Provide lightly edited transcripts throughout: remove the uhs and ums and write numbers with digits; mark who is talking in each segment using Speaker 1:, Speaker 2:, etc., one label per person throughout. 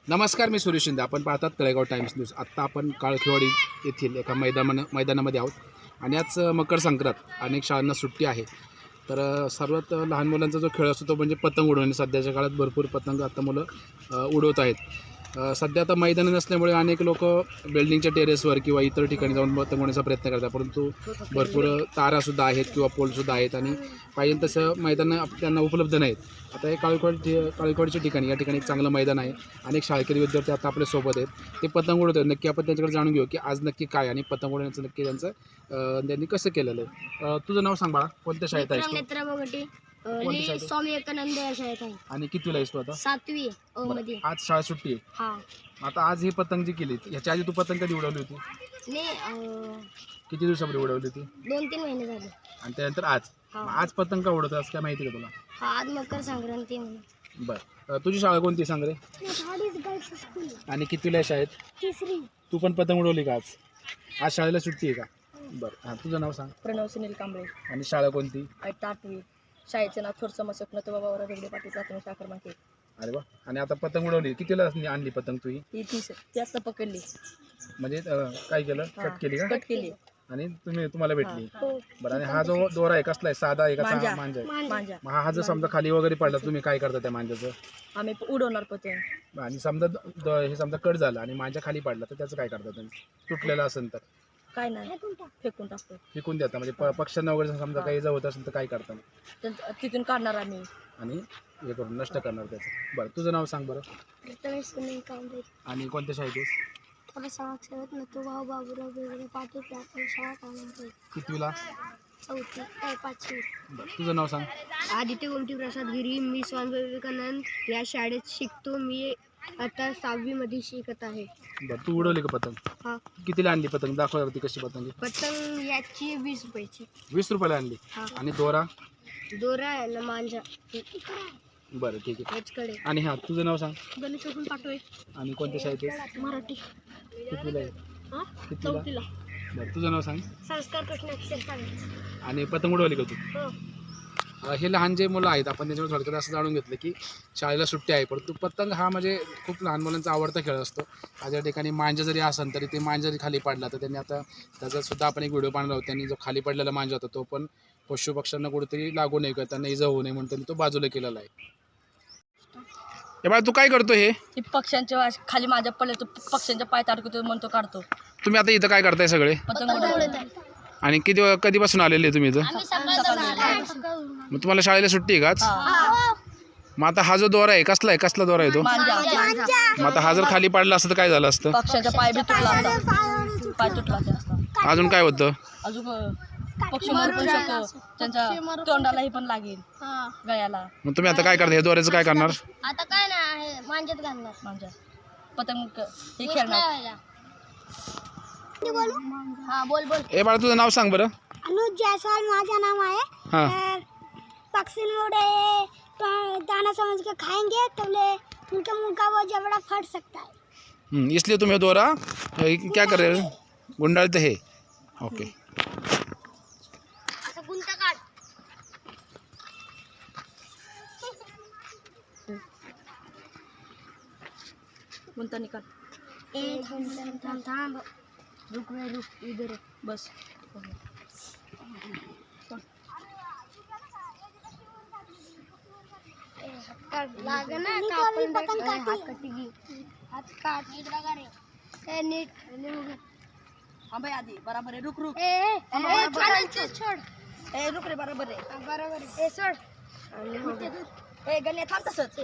Speaker 1: नमस्कार, मी सुरेश शिंदे. आपण पाहतात तळेगाव टाइम्स न्यूज. आत्ता आपण काळखेवाडी येथील एका मैदानामध्ये आहोत आणि आज मकर संक्रांत, अनेक शाळांना सुट्टी आहे. तर सर्वात लहान मुलांचा जो खेळ असतो तो म्हणजे पतंग उडवणे. सध्याच्या काळात भरपूर पतंग आता मुलं उडवत आहेत. सध्या आता मैदान नसल्यामुळे अनेक लोक बिल्डिंगच्या टेरेसवर किंवा इतर ठिकाणी जाऊन पतंग उडवण्याचा प्रयत्न करतात, परंतु भरपूर तारासुद्धा आहेत किंवा पोलसुद्धा आहेत आणि पाहिजे तसं मैदान त्यांना उपलब्ध नाहीत. आता हे काळखेवाडीच्या ठिकाणी या ठिकाणी एक चांगलं मैदान आहे. अनेक शाळकरी विद्यार्थी आता आपल्यासोबत आहेत. ते पतंग उडवत आहेत. नक्की आपण त्यांच्याकडे जाणून घेऊ की आज नक्की काय आणि पतंग उडवण्याचं नक्की त्यांनी कसं केलेलं आहे. तुझं नाव सांग बाळा, कोणत्या शाळेत आहेस तू?
Speaker 2: स्वामी विवेकानंद या शाळेत आहे.
Speaker 1: आणि कितवीला आहेस तू आता?
Speaker 2: 7वी मध्ये.
Speaker 1: आज शाळा सुट्टी आहे.
Speaker 2: हा.
Speaker 1: आता आज ही पतंग जी केली, ह्याच्या आधी तू पतंग कधी उडवली होती? किती दिवसापूर्वी उडवली होती?
Speaker 2: 2-3 महिने झाले.
Speaker 1: आणि त्यानंतर आज आज पतंग का उडवत आज काय माहिती का तुला?
Speaker 2: आज मकर संक्रांती म्हणून.
Speaker 1: बरं, तुझी शाळा कोणती सांग रे? आणि कितवीला आहे शाळेत?
Speaker 2: 3री.
Speaker 1: तू पण पतंग उडवली का आज? आज शाळेला सुट्टी आहे का? बरं, हां, तुझं नाव सांग.
Speaker 3: प्रणव सुनील कांबळे.
Speaker 1: आणि शाळा कोणती?
Speaker 3: 8वी. शाळेचं नाव थोडसं मसकनं तो बाबा वेगळे पाटील प्राथमिक शाखा माहिती.
Speaker 1: अरे वा. आणि आता पतंग उडवली, कितीला आणली पतंग तू?
Speaker 3: ही 30 ती आता पकडली.
Speaker 1: म्हणजे काय केलं? कट केली का?
Speaker 3: कट केली
Speaker 1: आणि तुम्हाला भेटली.
Speaker 2: हो.
Speaker 1: बरं, आणि हा जो दोरा आहे कसला आहे? साधा आहे का मांजा आहे?
Speaker 3: मांजा.
Speaker 1: मग हा जर समजा खाली वगैरे पडला, तुम्ही काय करता त्या मांजाचं?
Speaker 3: आम्ही उडवणार पतंग.
Speaker 1: आणि समजा हे समजा कट झाला आणि मांजा खाली पडला तर त्याचं काय करता तुम्ही? तुटलेला असेल तर
Speaker 3: काय नाही, फेकून टाकतो.
Speaker 1: विकून देता? म्हणजे पक्ष्यांना वगैरे समजा काही जवळ असेल तर काय करता?
Speaker 3: तिथून काढणार आम्ही
Speaker 1: आणि हे करून नष्ट करणार त्याचं. बरं, तुझं नाव सांग बरं.
Speaker 2: सुनील कांबळे.
Speaker 1: आणि कोणत्या शाळेत आहेस?
Speaker 2: थोडा समाजसेवक नथुभाऊ बाबूराव वेगळे पाटील प्राथमिक शाळा कामांचे.
Speaker 1: कितवीला?
Speaker 2: 5वी.
Speaker 1: बरं, तुझं नाव सांग.
Speaker 2: आदित्य गोमती प्रसाद गिरी. मी स्वामी विवेकानंद या शाळेत शिकतो. मी आता 6वी मध्ये शिकत आहे.
Speaker 1: बरं, तू उडवली का पतंग?
Speaker 2: हा.
Speaker 1: कितीला आणली पतंग? दाखवती कशी पतंग?
Speaker 2: पतंग याची 20 रुपयाची.
Speaker 1: 20 रुपयाला आणली.
Speaker 2: हा.
Speaker 1: आणि दोरा?
Speaker 2: दोरा आहे ना मांजा.
Speaker 1: बरं, ठीक आहे.
Speaker 2: याचकडे.
Speaker 1: आणि हा, तुझं नाव सांग.
Speaker 2: गणेश पाठवे.
Speaker 1: आणि कोणत्या शाळेत आहेस?
Speaker 2: मराठी.
Speaker 1: कितवीला आहे? कितवीला?
Speaker 2: 4वीला.
Speaker 1: बरं, तुझं नाव सांग.
Speaker 2: संस्कार कृष्ण अक्षर सांग.
Speaker 1: आणि पतंग उडवली का तू?
Speaker 2: हो.
Speaker 1: हे लहान जे मुलं आहेत, आपण त्याच्यावर थोडक्यात असं जाणून घेतलं की शाळेला सुट्टी आहे, परंतु पतंग हा म्हणजे खूप लहान मुलांचा आवडता खेळ असतो. माझ्या ठिकाणी मांजा जरी असेल तरी ते मांजा जरी खाली पडला तर त्यांनी आता त्याचासुद्धा आपण एक व्हिडिओ पाहणार आहोत. त्यांनी जो खाली पडलेला मांजा होता तो पण पशुपक्ष्यांना कुठेतरी लागू नये किंवा त्यांना इजा होऊ नये म्हणून त्यांनी तो बाजूला केलेला आहे. हे बाळा, तू काय करतो? हे
Speaker 3: पक्ष्यांच्या खाली माझ्या पडले तर पक्ष्यांच्या पाय ताडकतो म्हणतो काढतो.
Speaker 1: तुम्ही आता इथं काय करताय सगळे?
Speaker 3: पतंग उडवतो.
Speaker 1: आणि कधीपासून आलेले तुम्ही इथं? मग तुम्हाला शाळेला सुट्टी आहे का आज? मग आता हा जो दोरा आहे कसला दोरा आहे तो? मग आता हा जर खाली पडला असतं तर काय झालं असतं?
Speaker 3: पक्ष्यांच्या पाय बी तुटला असता. पाय तुटला असता.
Speaker 1: अजून काय होतं?
Speaker 3: अजून पक्षी मरू पण शकतो. त्यांच्या तोंडालाही पण लागेल, गळ्याला.
Speaker 1: मग तुम्ही आता काय करता? हे दोऱ्याचं काय करणार?
Speaker 2: आता काय नाही, मांजात घालणार.
Speaker 3: मांजा पतंग हे खेळणार.
Speaker 2: हा, बोल.
Speaker 1: ए बाळा, तुझं नाव सांग बरं.
Speaker 2: अनुज जायसवाल माझा नाम है.
Speaker 1: हाँ.
Speaker 2: पक्षी उड़े तो दाना समझ के खाएंगे तो उनके मुंह का वो जबड़ा फट सकता है.
Speaker 1: इसलिए तुम्हें दोरा क्या कर रहे हो? गुंडाळते हे. ओके.
Speaker 2: गुंता काढ.
Speaker 3: गुंता निकाल.
Speaker 2: थांब. रुक इधर
Speaker 3: बस.
Speaker 2: लागना हात काट नीट लगा रे. नीट.
Speaker 3: हाँ भाई आधी बराबर है. रुक
Speaker 2: छोड़.
Speaker 3: रुक रे. बराबर आहे.
Speaker 2: बरोबर आहे. सोड.
Speaker 3: गण्या थांब तसंच.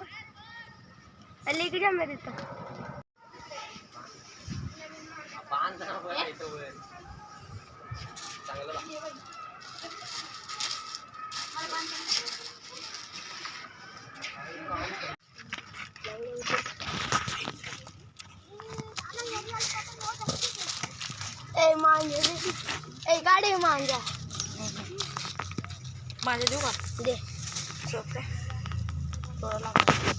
Speaker 2: इकडे जा मेरे तो. गाडी मांजा.
Speaker 3: माझ्या देऊ का?
Speaker 2: दे.
Speaker 3: थोडं लागलं.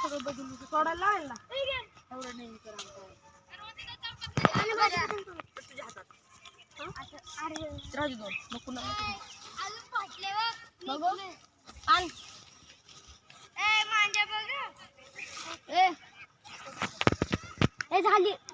Speaker 3: सगळं बदलून सोडायला लावेल ना एवढं नाही तुझ्या हातात राहू दोन मग पुन्हा आण
Speaker 2: ए झाली